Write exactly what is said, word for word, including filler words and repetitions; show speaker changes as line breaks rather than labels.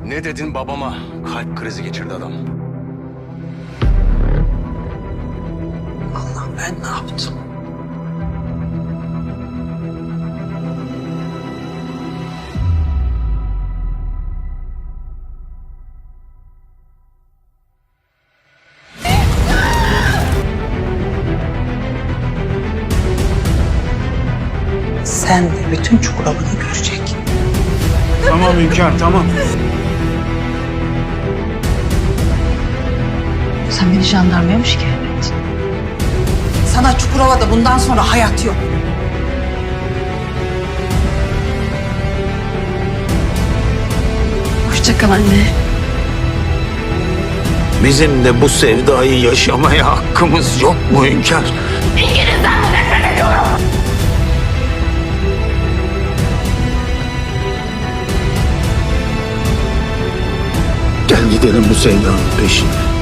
Ne dedin babama? Kalp krizi geçirdi adam.
Allah, ben ne yaptım? Sen de bütün Çukurova'nı görecek.
Tamam Hünkâr, tamam.
Sen beni jandarmaya mı şikayet ettin?
Sana Çukurova'da bundan sonra hayat yok.
Hoşça kal anne.
Bizim de bu sevdayı yaşamaya hakkımız yok mu Hünkâr? Gel gidelim bu sevdanın peşine.